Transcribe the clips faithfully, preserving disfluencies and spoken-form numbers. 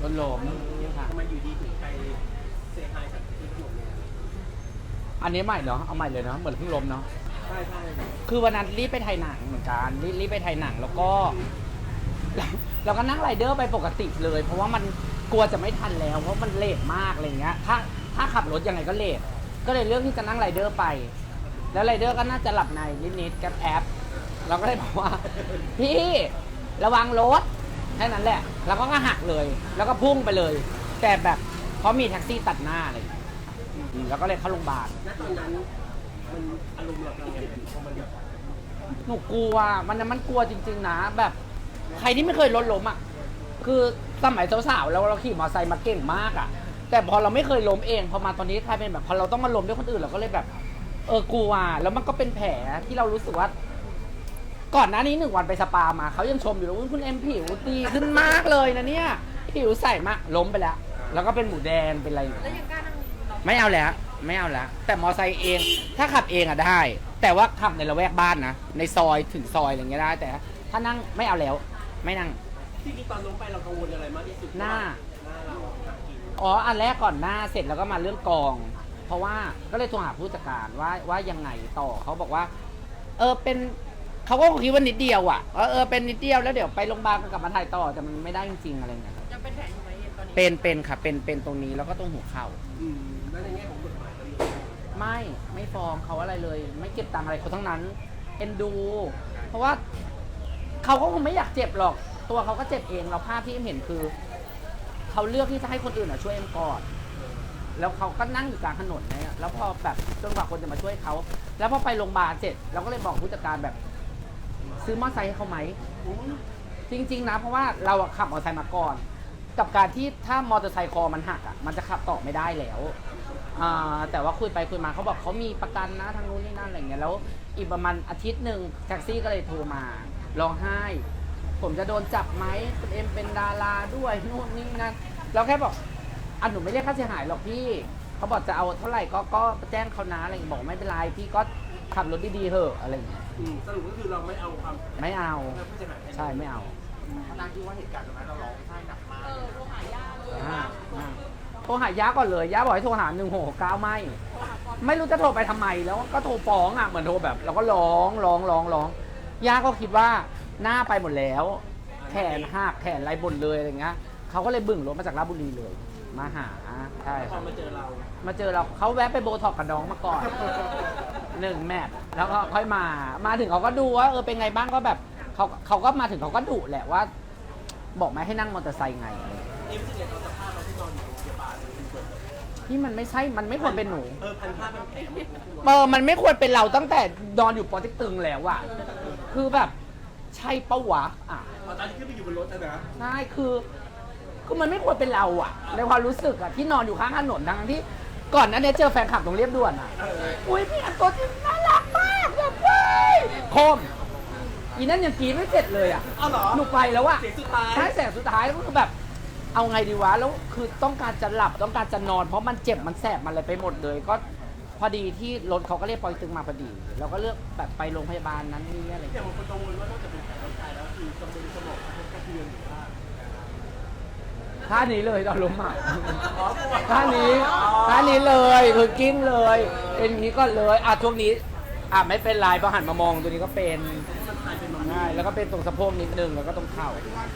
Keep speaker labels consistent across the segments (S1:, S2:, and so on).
S1: นล้มค่ะ
S2: ทำไมอยู่ดีถึงไปเซฮายกับที่ขนมเนี่ย
S1: อันนี้ใหม่เนาะเอาใหม่เลยเนาะเหมือนเพิ่งล้มเนาะ
S2: ใช่ใช่
S1: คือวันนั้นรีบไปถ่ายหนังเหมือนกันรีบรีบไปถ่ายหนังแล้วก็ เราก็นั่งไรเดอร์ไปปกติเลย เพราะว่ามันกลัวจะไม่ทันแล้วเพราะมันเลทมากอะไรเงี้ยถ้าถ้าขับรถยังไงก็เลทก็เลยเลือกที่จะนั่งไรเดอร์ไป แล้วไรเดอร์ก็น่าจะหลับในนิดๆแก๊ปแอปเราก็เลยบอกว่า พี่ระวังรถแค่นั้นแหละแล้วก็หักเลย แล้วก็พุ่งไปเลย แต่แบบเพราะมีแท็กซี่ตัดหน้าอะไรอย่างเลยอืมแล้วก็เลยเข้าโรงพยาบาล
S2: ณตอนนั้นมันอารมณ์เราเป็นยังไงพอมันแบบ
S1: หนูกลัวมันมันกลัวจริงๆนะแบบใครที่ไม่เคยรถล้มอ่ะคือสมัยสาวๆเราเราขี่มอเตอร์ไซค์มาเก่งมากอ่ะแต่พอเราไม่เคยล้มเองพอมาตอนนี้กลายเป็นแบบพอเราต้องมาล้มด้วยคนอื่นเราก็เลยแบบเออกลัวแล้วมันก็เป็นแผลที่เรารู้สึกว่า ก่อนหน้านี้หนึ่งวันไปสปามาเขายังชมอยู่เลยว่าคุณเอ็มผิวดีขึ้นมากเลยนะเนี่ยผิวใสมากล้มไปแล้ว แล้วก็เป็นหมูแดงเป็นอะไรอยู่
S3: แล้วยังกล้านั่งรถ
S1: ไม่เอาแล้วไม่เอาแล้วแต่มอไซค์เองถ้าขับเองอะได้ แต่ว่าขับในละแวกบ้านนะในซอยถึงซอยอะไรเงี้ยได้แต่ถ้านั่งไม่เอาแล้วไม่นั่ง
S2: ที่นี่ตอนล้มไปเรากังวลอะไรมากที่สุด
S1: หน้า
S2: หน้าเราหนักกิน
S1: อ๋ออันแรกก่อนหน้าเสร็จแล้วก็มาเรื่องกอง เพราะว่าก็เลยโทรหาผู้จัดการว่าว่ายังไงต่อเขาบอกว่า เออเป็นเขาก็คิดว่านิดเดียวอะว่าเออเป็นนิดเดียวแล้วเดี๋ยวไปโรงพยาบาลก็กลับมาถ่ายต่อแต่มันไม่ได้จริงๆอะไรเงี้ยครับ
S3: ยังเป็นแผลอยู่ไหมตอนนี้
S1: เป็นเป็นค่ะเป็นเป็นตรงนี้แล้วก็ตรงหัวเข่า
S2: อืมแล้วในแง่ของกฎหมายเราอยู่
S1: ไม่ไม่ฟ้องเขาอะไรเลย ไม่เก็บตังค์อะไรเขาทั้งนั้นเอ็นดู เพราะว่าเขาก็คงไม่อยากเจ็บหรอก ตัวเขาก็เจ็บเองเราภาพที่เอ็มเห็นคือเขาเลือกที่จะให้คนอื่นอะช่วยเอ็มก่อนแล้วเขาก็นั่งอยู่กลางถนนเนี่ยแล้วพอแบบจนกว่าคนจะมาช่วยเขาแล้วพอไปโรงพยาบาลเสร็จเราก็เลยบอกผู้จัดการแบบ ซื้อมอเตอร์ไซค์ให้เขาไหมจริง ๆ นะ เพราะว่าเราอะขับมอเตอร์ไซค์มาก่อน กับการที่ถ้ามอเตอร์ไซค์คอมันหักอะมันจะขับต่อไม่ได้แล้วอ่าแต่ว่าคุยไปคุยมาเขาบอกเขามีประกันนะทางนู้นนี่นั่นอะไรเงี้ยแล้วอีกประมาณอาทิตย์หนึ่งแท็กซี่ก็เลยโทรมาร้องไห้ ผมจะโดนจับไหมคุณเอ็มเป็นดาราด้วยนู่นนี่นั่นเราแค่บอกอ่ะหนูไม่เรียกค่าเสียหายหรอกพี่เขาบอกจะเอาเท่าไหร่ก็ก็แจ้งเขานะอะไรเงี้ยบอกไม่เป็นไรพี่ก็ขับรถดีๆเถอะอะไรเงี้ย
S2: อืมสรุปก็คือเราไม่เอาความ
S1: ไม่เอา
S2: ผู้เสียหาย
S1: ใช่ไม่เอา
S2: พนักที่ว่าเหตุการณ์ตรงนั้นเราร้องไห้หนักมาก
S3: เออโทรหาย่าเลย
S1: อ่าอ่าโทรหาย่าก่อนเลยย่าบอกให้โทรหาหนึ่งหกเก้าไม่
S3: โทรหาก่อน
S1: ไม่รู้จะโทรไปทำไมแล้วก็โทรฟ้องอ่ะเหมือนโทรแบบเราก็ร้องร้องร้องร้องย่าก็คิดว่าหน้าไปหมดแล้ว แขนหักแขนไรบนเลยอะไรเงี้ยเขาก็เลยบึ่งรถมาจากราชบุรีเลย มาหาใช่
S2: พอมาเจอเรา
S1: มาเจอเราเขาแวะไปโบท็อกกับน้องมาก่อนหนึ่งแมทแล้วก็ค่อยมามาถึงเขาก็ดูว่าเออเป็นไงบ้างก็แบบเขาเขาก็มาถึงเขาก็ดุแหละว่า บอกไม่ให้นั่งมอเตอร์ไซค์ไงอะไร
S2: เอ็มรู้สึกไงตอนสภาพเราที่นอนอยู่โรงพยาบาลมันเกิด
S1: ที่มันไม่ใช่มันไม่ควรเป็นหนู
S2: เออพันผ้าพันแผลมัน
S1: เออมันไม่ควรเป็นเราตั้งแต่นอนอยู่ปอเติ๊กตึงแล้วอะคือแบบใช่ปะวะอ่ะ
S2: ตอนที่ขึ้นไปอยู่บนรถนะนะ
S1: ใช่คือคือมันไม่ควรเป็นเราอะในความรู้สึกอะที่นอนอยู่ข้างถนนทั้งที่ก่อนหนั้นเนี่ยเจอแฟนคลับตรงเรียบด่วนอะอุ้ยพี่อันตัวจริงน่ารักมากแบบเว้ยโคมอีนั่นยังกรีดไม่เสร็จเลยอะ
S2: อ้าวเหรอ
S1: หนูไปแล้วอะ
S2: เสียงสุดท้าย
S1: ใช่แสงสุดท้ายก็คือแบบ เอาไงดีวะแล้วคือต้องการจะหลับต้องการจะนอน เพราะมันเจ็บมันแสบมันอะไรไปหมดเลย ก็พอดีที่รถเขาก็เรียกปอยตึงมาพอดีเราก็เลือกแบบไปโรงพยาบาลนั้นนี่อะไรอย่าง
S2: อย่าง
S1: เงี้ย
S2: บางคนกังวลว่านอกจากเป็นแผลร่างกายแล้วคือกังวลสมองกระเทือนหรือว่า
S1: ท่านี้เลยตอนล้มอ่ะท่านี้ท่านี้เลยคือกิ้งเลยเป็นอย่างนี้ก็เลยอ่ะช่วงนี้อ่ะไม่เป็นไรพอหันมามองตัวนี้ก็เป็น
S2: มันกลายเป็นมัน
S1: ง่ายแล้วก็เป็นตรงสะโพกนิดนึงแล้วก็ตรงเข่า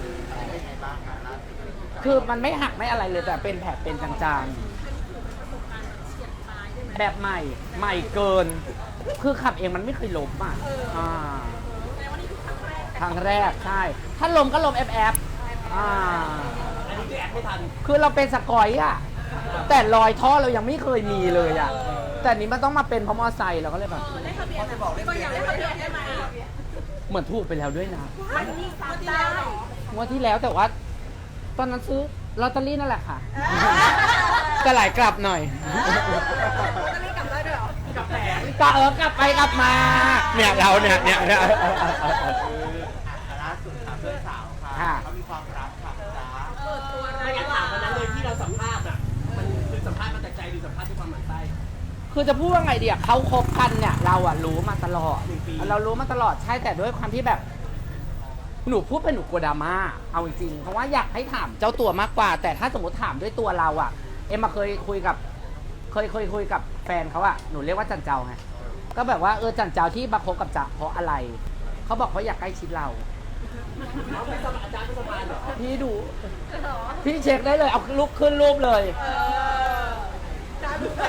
S1: คือมันไม่หักไม่อะไรเลยแต่เป็นแผลเป็นจางๆ แบบใหม่ใหม่เกิน คือขับเองมันไม่เคยล้มอ่ะอ่า
S3: แต่วันนี้คือครั้งแรก
S1: ครั้งแรกใช่ ถ้าล้มก็ล้มแอบแอบอ่า
S2: อันนี้คือแอดไม่ทัน
S1: คือเราเป็นสกอยอ่ะ แต่รอยท่อเรายังไม่เคยมีเลยอ่ะ แต่นี้มันต้องมาเป็นเพราะมอไซค์เราก็เลยแบบ
S3: ได้ทะเบียนก็อยากได้ทะเบียนได้ไหม
S1: เหมือนถูกไปแล้วด้วยนะ
S3: วันนี้สามได้
S1: งวดที่แล้วแต่ว่า ตอนนั้นซื้อลอตเตอรี่นั่นแหละค่ะ จะหลายกลับหน่อย
S3: จะรีบกลับได้ด้วยเหรอ
S2: กับแผล
S1: ก็เออกลับไปกลับมา เนี่ยเราเนี่ยเนี่ยเนี่ย
S4: ล่าสุดค่ะเพื่อนสาวค่ะ
S1: ค่ะ
S4: เขามีความรักค่ะจ้า
S3: เออตัว
S2: ไม่งั้นถามวันนั้นเลยที่เราสัมภาษณ์อ่ะมันคือสัมภาษณ์มาแต่ใจหรือสัมภาษณ์ด้วยความหมั่นไส้
S1: คือจะพูดว่าไงดีอะเขาคบกันเนี่ยเราอะรู้มาตลอด
S2: หนึ่งปี
S1: เรารู้มาตลอดใช่แต่ด้วยความที่แบบหนูพูดเป็นหนูกลัวดราม่าเอาจริงๆเพราะว่าอยากให้ถามเจ้าตัวมากกว่า แต่ถ้าสมมติถามด้วยตัวเราอะเอ็มมาเคยคุยกับเคยเคยคุยกับแฟนเขาอะหนูเรียกว่าจันเจ้าไงก็แบบว่าเออจันเจ้าที่มาคบกับจ๊ะเพราะอะไรเขาบอกเขาอยากใกล้ชิดเรา
S2: เขาเป็นสมานอาจารย์เป็นสมานเหรอ
S1: พี่ดูพี่เช็คได้เลยเอาลุกขึ้นรูปเลย
S3: เออจ้าดูไป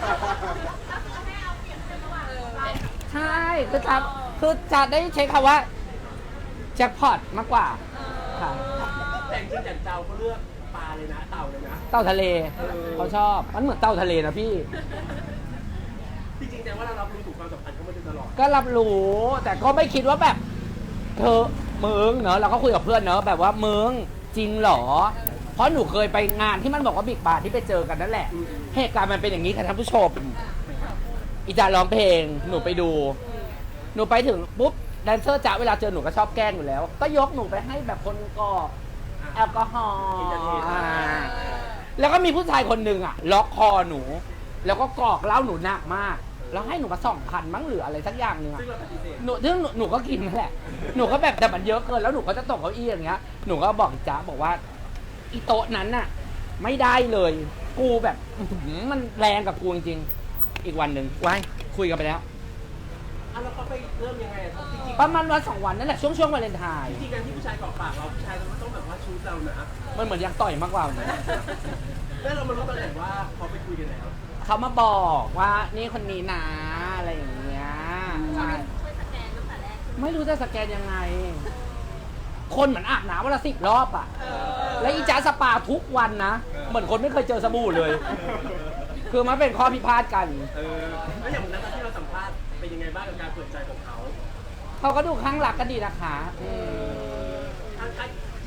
S1: ใช่คือจะคือจะได้เช็คคำว่าแจ็คพอตมากกว่าค่ะ
S2: แต่จริงๆจันเจ้าเขาเลือกปลาเลยนะเต่าเลยนะ
S1: เต่าทะเลเขาชอบมันเหมือนเต่าทะเลนะพี่
S2: จริงๆแต่ว่าเรารับรู้ถึงความสัมพันธ์เขามาโดยตลอด
S1: ก็รับรู้แต่ก็ไม่คิดว่าแบบ เธอมึงเนอะเราก็คุยกับเพื่อนเนอะแบบว่ามึงจริงเหรอ เพราะหนูเคยไปงานที่มันบอกว่าบิ๊กบาร์ที่ไปเจอกันนั่นแหละ เหตุการณ์มันเป็นอย่างนี้ค่ะท่านผู้ชมอีจาร้องเพลงหนูไปดู หนูไปถึงปุ๊บแดนเซอร์จ๋าเวลาเจอหนูก็ชอบแกล้งอยู่แล้ว ก็ยกหนูไปให้แบบคนกรอกแอลกอฮอล์อ่าแล้วก็มีผู้ชายคนหนึ่งอ่ะ ล็อกคอหนู แล้วก็กรอกเหล้าหนูหนักมาก แล้วให้หนูมาสองพันมั้งหรืออะไรสักอย่างหนึ่งอ่ะ
S2: ซึ่งเราปฏิเสธ
S1: หนูซึ่งหนูหนูก็กินนั่นแหละ หนูก็แบบแต่มันเยอะเกินแล้วหนูก็จะตกเก้าอี้อย่างเงี้ย หนูก็บอกจ๊ะบอกว่าอีโต๊ะนั้นน่ะ ไม่ได้เลย กูแบบอื้อหือมันแรงกับกูจริงๆอีกวันหนึ่งไว้คุยกันไปแล้ว
S2: อ่ะแล้วเขาไปเริ่มยังไงอ่ะจริงๆ
S1: ประมาณวันสองวันนั่นแหละช่วงช่วงวาเลนไทน์
S2: จริงๆการที่ผู้ชายเกาะปากเราผู้ชายเราก็ต้องแบบว่าชูเรานะ
S1: มันเหมือนอยากต่อยมากกว่าเหมือน
S2: แล้วเรามารู้ตอนไหนว่าเขาไปคุยกันแล้ว
S1: เขามาบอกว่านี่คนนี้นะอะไรอย่างเงี้ยใช่
S3: ช่วยสแกนตั้งแต่แรก
S1: ไม่รู้จะสแกนยังไง คนเหมือนอาบน้ำวันละสิบรอบอ่ะ แล้วอีจ้าสปาทุกวันนะ เหมือนคนไม่เคยเจอสบู่เลย คือมันเป็นข้อพิพาทกัน
S2: เออแล้วอย่างนั้นที่เราสัมภาษณ์เป็นยังไงบ้างกับการเปิดใจของเขา
S1: เขาก็ดูข้างหลักก็ดีนะคะอืม
S2: ทางใคร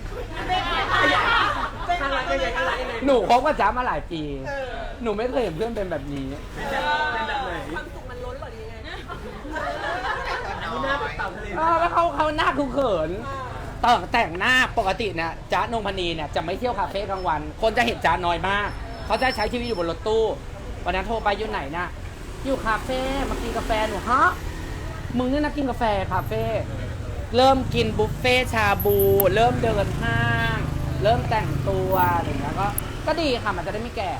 S2: ทางรักยังไงทางรักยังไง
S1: หนูคบกับจ้ามาหลายปี หนูไม่เคยเห็นเพื่อนเป็นแบบนี้
S2: เป็นแบบไหน
S3: ความสุขมันล้นหรอหรือยังไง
S2: อันนี้หน้าแบบเต่าทะเล
S1: เออแล้วเขาเขาหน้าคุเขินแต่งแต่งหน้าปกติเนี่ยจ๊ะนงพนีเนี่ยจะไม่เที่ยวคาเฟ่กลางวัน คนจะเห็นจ๊ะน้อยมาก เขาจะใช้ชีวิตอยู่บนรถตู้วันนั้นโทรไปอยู่ไหนนะอยู่คาเฟ่มากินกาแฟหนูฮะมึงเนี่ยนะกินกาแฟคาเฟ่เริ่มกินบุฟเฟ่ชาบู เริ่มเดินห้าง เริ่มแต่งตัวอะไรอย่างเงี้ยก็ก็ดีค่ะมันจะได้ไม่แก่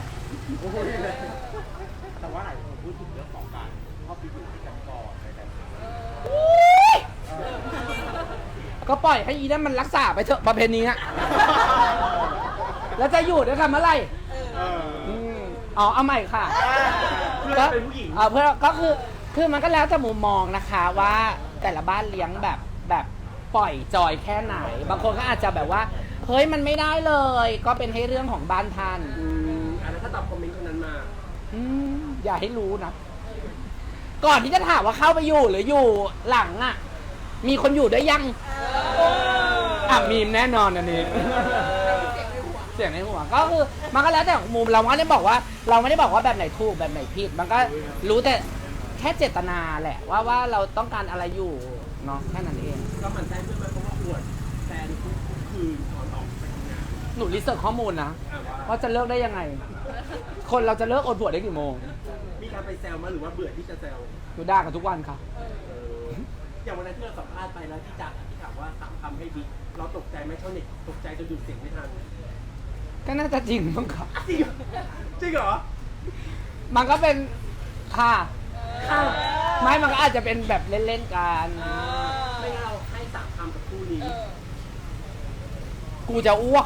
S4: แต่ว่าหลายคนพูดถึงเรื่องของการเข้าไปอยู่ด้วยกันก่อนอะไรแบบนี้
S1: ก็ปล่อยให้อีนั่นมันรักษาไปเถอะประเพณีอะ แล้วจะอยู่ด้วยกันเมื่อไหร่
S4: เออ
S1: อืมอ๋อเอาใหม่ค่ะ
S2: เพื่อนเป็นผู้หญิง
S1: เออเพื่อก็คือคือมันก็แล้วแต่มุมมองนะคะว่าแต่ละบ้านเลี้ยงแบบแบบปล่อยจอยแค่ไหน บางคนก็อาจจะแบบว่าเฮ้ยมันไม่ได้เลย ก็เป็นให้เรื่องของบ้านท่าน
S2: อืมอ่ะแล้วถ้าตอบคอมเมนต์คนนั้นมา
S1: อืมอย่าให้รู้นะ ก่อนที่จะถามว่าเข้าไปอยู่หรืออยู่หลังอ่ะ มีคนอยู่ด้วยยังอ่ะมีมแน่นอนอันนี้ เสียงในหัวก็คือมันก็แล้วแต่มุมเราไม่ได้บอกว่า เราไม่ได้บอกว่าแบบไหนถูกแบบไหนผิด มันก็รู้แต่แค่เจตนาแหละ ว่าว่าเราต้องการอะไรอยู่เนาะแค่นั้นเอง
S2: ก็หมันแซงเพื่อนมาเพราะว่าอวดแฟนทุกคืนก่อนออกไปทำงาน
S1: หนูรีเสิร์ชข้อมูลนะ
S2: อ่ะว่า
S1: ว่าจะเลิกได้ยังไง คนเราจะเลิกอดผัวได้กี่โมง
S2: มีการไปแซวมาหรือว่าเบื่อที่จะแซว
S1: หนูด่ากันทุกวันค่ะ
S2: เอออย่างวันนั้นที่เราสัมภาษณ์ไปแล้วที่จักที่ถามว่าสามคำให้บิ๊กเราตกใจไหมชาวเน็ตตกใจจนดูดเสียงไม่ทัน
S1: ก็น่าจะจริงมั้งค่ะ
S2: จริงเหรอจริงเหรอ
S1: มันก็เป็นค่ะค่ะไม่มันก็อาจจะเป็นแบบเล่นๆกัน
S2: ไม่งั้นเราให้สามคำกับคู่นี้
S1: กูจะอ้วก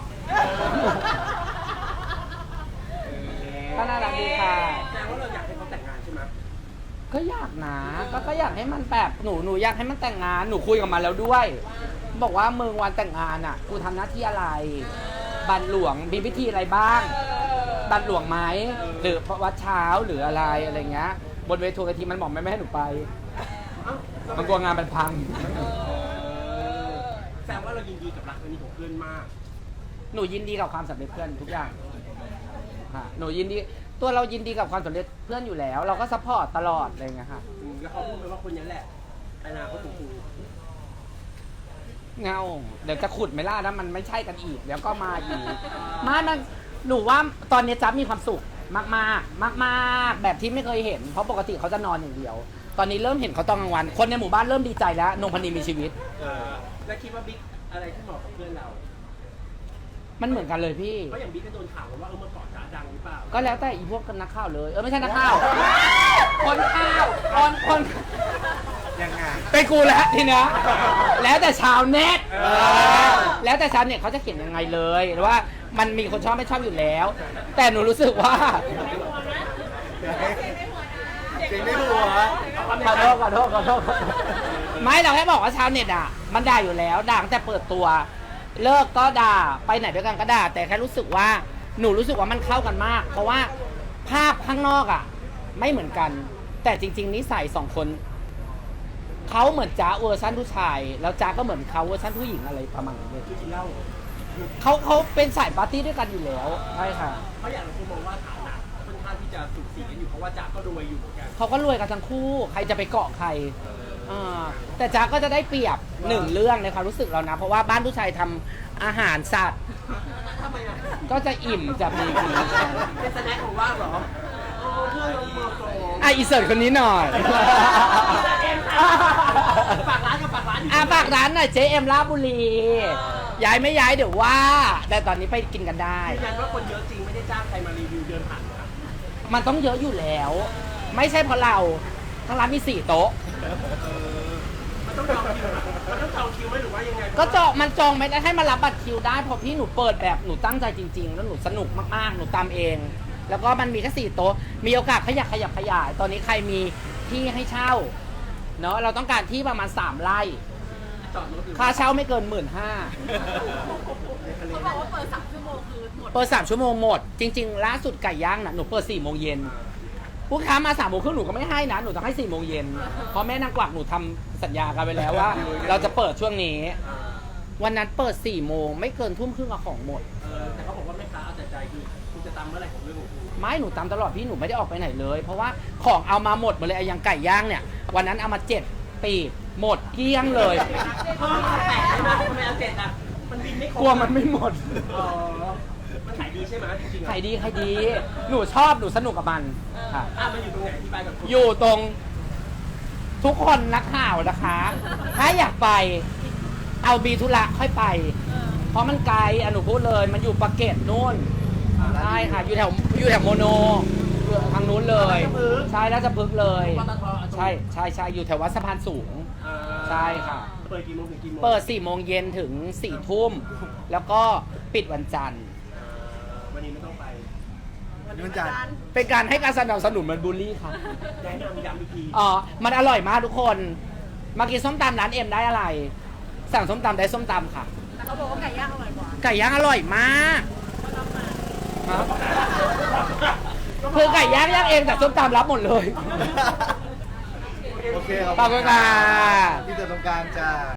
S1: ก็น่ารักดีค่ะ
S2: แสดงว่าเราอยากให้เขาแต่งงานใช่ไหม
S1: ก็อยากนะก็ก็อยากให้มันแบบหนูหนูอยากให้มันแต่งงานหนูคุยกับมันแล้วด้วย บอกว่ามึงวันแต่งงานอ่ะกูทำหน้าที่อะไร บัตรหลวงมีพิธีอะไรบ้าง บัตรหลวงไหมหรือวัดเช้าหรืออะไรอะไรเงี้ยบนเวทีมันบอกไม่ไม่ให้หนูไป
S2: เอ้า
S1: มันกลัวงานมันพัง
S2: แสดงว่าเรายินดีกับรักครั้งนี้ของเพื่อนมาก
S1: หนูยินดีกับความสำเร็จเพื่อนทุกอย่างค่ะหนูยินดีตัวเรายินดีกับความสำเร็จเพื่อนอยู่แล้ว เราก็ซัพพอร์ตตลอดอะไรเงี้ยค่ะ
S2: อืมแล้วเขาพูดไปว่าคนนี้แหละอนาคตของกู
S1: เงาเดี๋ยวจะขุดไม่ล่านะมันไม่ใช่กันอีกเดี๋ยวก็มาอีกมามันหนูว่าตอนนี้จ๊บมีความสุขมากมากมากมากๆแบบที่ไม่เคยเห็นเพราะปกติเขาจะนอนอย่างเดียว ตอนนี้เริ่มเห็นเขาตอนกลางวัน คนในหมู่บ้านเริ่มดีใจแล้วนงพนีมีชีวิต
S2: เออแล้วคิดว่าบิ๊กอะไรที่เหมาะกับเพื่อนเรา
S1: มันเหมือนกันเลยพี่
S2: เพราะอย่างบิ๊กก็โดนข่าวว่าเออเมื่อก่อนจ๋าดังหรือเปล่า
S1: ก็แล้วแต่อีพวกนักข่าวเลย เออไม่ใช่นักข่าว คนข่าวคนคน
S4: ยังไง
S1: เป็นกูแล้วทีเนี้ยแล้วแต่ชาวเน็ตแล้วแต่ชาวเน็ตเขาจะเขียนยังไงเลยหรือว่ามันมีคนชอบไม่ชอบอยู่แล้ว แต่หนูรู้สึกว่า
S4: จริงไม่หัว
S1: ขอโทษขอโทษขอโทษไม่เราแค่บอกว่าชาวเน็ตอ่ะมันด่าอยู่แล้วด่าตั้งแต่เปิดตัว เลิกก็ด่าไปไหนด้วยกันก็ด่าแต่แค่รู้สึกว่าหนูรู้สึกว่ามันเข้ากันมาก เพราะว่าภาพข้างนอกอ่ะ ไม่เหมือนกัน แต่จริง ๆนิสัยสองคนเขาเหมือนจ้าเวอร์ชันผู้ชาย แล้วจ้าก็เหมือนเขาเวอร์ชันผู้หญิงอะไรประมาณนี้เลย
S2: คือกินเหล้า
S1: เขาเขาเป็นสายปาร์ตี้ด้วยกันอยู่แล้วใช่ค่ะ
S2: เพราะอย่างเราคุณมองว่าฐานะค่อนข้างที่จะสูสีกันอยู่เพราะว่าจ๋าก็รวยอยู่เหมือนกัน
S1: เขาก็รวยกันทั้งคู่ ใครจะไปเกาะใครอ่าแต่จ๊าก็จะได้เปรียบหนึ่งเรื่องในความรู้สึกเรานะ เพราะว่าบ้านผู้ชายทำอาหารสัตว์
S2: ทำไมอ่ะ
S1: ก็จะอิ่มจะมีกิน
S2: เป็นสแน็คของว่างเหรอโอ้เพื่อนเราเมืองโกง
S1: อ่ะอีเสิร์ตคนนี้หน่อย
S2: ฝากร้านกับฝากร้านอยู่
S1: อ่ะฝากร้านหน่อยเจเอ็มลาดบุรี ย้ายไม่ย้ายเดี๋ยวว่า แต่ตอนนี้ไปกินกันได้
S2: ยืนยันว่าคนเยอะจริงไม่ได้จ้างใครมารีวิวเดินผ่านนะ
S1: มันต้องเยอะอยู่แล้ว ไม่ใช่เพราะเราทั้งร้านมีสี่โต๊ะ
S2: มันต้องจองคิวอะมันต้องจองคิวไหมหรือว่ายังไง
S1: ก็จองมันจองไม่ได้ให้มารับบัตรคิวได้เพราะพี่หนูเปิดแบบหนูตั้งใจจริง ๆ แล้วหนูสนุกมากๆหนูตามเอง แล้วก็มันมีแค่สี่โต๊ะมีโอกาสขยับขยับขยาย ตอนนี้ใครมีที่ให้เช่าเนาะเราต้องการที่ประมาณสามไร่
S2: จอดรถหรือ
S1: ค่าเช่าไม่เกินหมื่นห้า
S3: เขาบอกว่าเปิดสามชั่วโมงคือหมด
S1: เปิดสามชั่วโมงหมด จริง ๆ ล่าสุดไก่ย่างน่ะหนูเปิดสี่โมงเย็นลูกค้ามาสามโมงครึ่งหนูก็ไม่ให้นะหนูต้องให้สี่โมงเย็นเพราะแม่นางกวักหนูทำสัญญากันไปแล้วว่า เราจะเปิดช่วงนี้ วันนั้นเปิดสี่โมงไม่เกินทุ่มครึ่งเอาของหมด
S2: เออแต่เขาบอกว่าแม่ค้าเอาแต่ใจคือคุณจะตามเมื่อไหร่ของเรื่องของคุณ
S1: ไม่หนูตามตลอดพี่หนูไม่ได้ออกไปไหนเลย เพราะว่าของเอามาหมดหมดเลยไอ้อยังไก่ย่างเนี่ยวันนั้นเอามาเจ็ดปีกหมดเกลี้ยงเลย
S2: เพิ่มมาแปดใช่ไหมทำไมเอาเจ็ดอ่ะมันบินไม่ครบ
S1: กลัวมันไม่หมด
S2: อ๋อมันขายดีใช่ไหมจริงๆ
S1: ขายดีขายดี หนูชอบหนูสนุกกับมันค่ะ
S2: อ่ะมันอยู่ตรงไหนที่ไปกับคุณ
S1: อยู่ตรงทุกคนนักข่าวนะคะ ถ้าอยากไปเอาบีธุระค่อยไป เพราะมันไกลอ่ะหนูพูดเลยมันอยู่ปากเกร็ดนู่นใช่ค่ะอยู่แถวอยู่แถวโมโนอยู่ทางนู้นเลย ใช่แล้วจะพึกษ์เลย
S2: ปตท
S1: ใช่ใช่ใช่อยู่แถววัดสะพานสูง
S2: อ่า
S1: ใช่ค่ะ
S2: เปิดกี่โมงถึงกี่โมง
S1: เปิดสี่โมงเย็นถึงสี่ทุ่มแล้วก็ปิดวันจันทร์
S2: อ่าวันนี้ไม่ต้องไป
S4: มันจัด
S1: เป็นการให้การสนับสนุนมันบูลลี่ค่ะ
S2: แนะนำย้ำอีกที
S1: อ๋อ มันอร่อยมากทุกคน มากินส้มตำร้านเอ็มได้อะไร สั่งส้มตำได้ส้มตำค่ะ
S3: แต่เขาบอกว่าไก่ย่างอร่อยกว่า
S1: ไก่ย่างอร่อยมากครับคือไก่ย่างย่างเองแต่ส้มตำรับหมดเลย
S4: โอเค
S1: ขอบคุณค่ะ
S4: พี่เจอตรงกลางจ้า